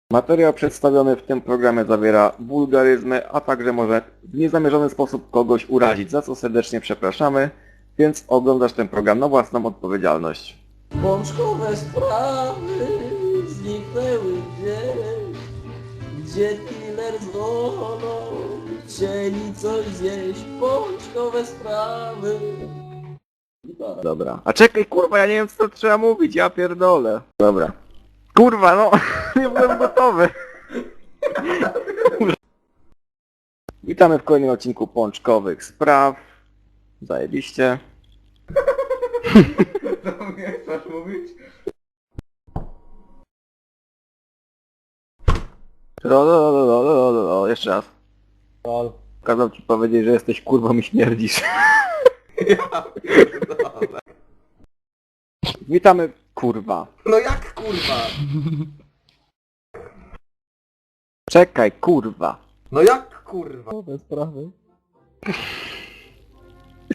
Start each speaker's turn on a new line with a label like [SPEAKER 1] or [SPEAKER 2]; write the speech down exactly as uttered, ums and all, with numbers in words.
[SPEAKER 1] Materiał przedstawiony w tym programie zawiera wulgaryzmy, a także może w niezamierzony sposób kogoś urazić, za co serdecznie przepraszamy, więc oglądasz ten program na własną odpowiedzialność.
[SPEAKER 2] Pączkowe sprawy zniknęły gdzieś, gdzie dealer z wodą chcieli coś zjeść. Pączkowe sprawy. Gitara.
[SPEAKER 1] Dobra. A czekaj, kurwa, ja nie wiem, co trzeba mówić, ja pierdolę. Dobra. Kurwa, no, nie byłem gotowy. Witamy w kolejnym odcinku Pączkowych Spraw. Zajebiście.
[SPEAKER 3] To mnie chcesz mówić?
[SPEAKER 1] Ro, ro, ro, ro, ro, ro, ro. Jeszcze raz.
[SPEAKER 2] Lol.
[SPEAKER 1] Kazał ci powiedzieć, że jesteś kurwą i śmierdzisz.
[SPEAKER 3] Ja pierdolę.
[SPEAKER 1] Witamy, kurwa.
[SPEAKER 3] No jak kurwa?
[SPEAKER 1] Czekaj, kurwa.
[SPEAKER 3] No jak kurwa?
[SPEAKER 2] Pączkowe sprawy.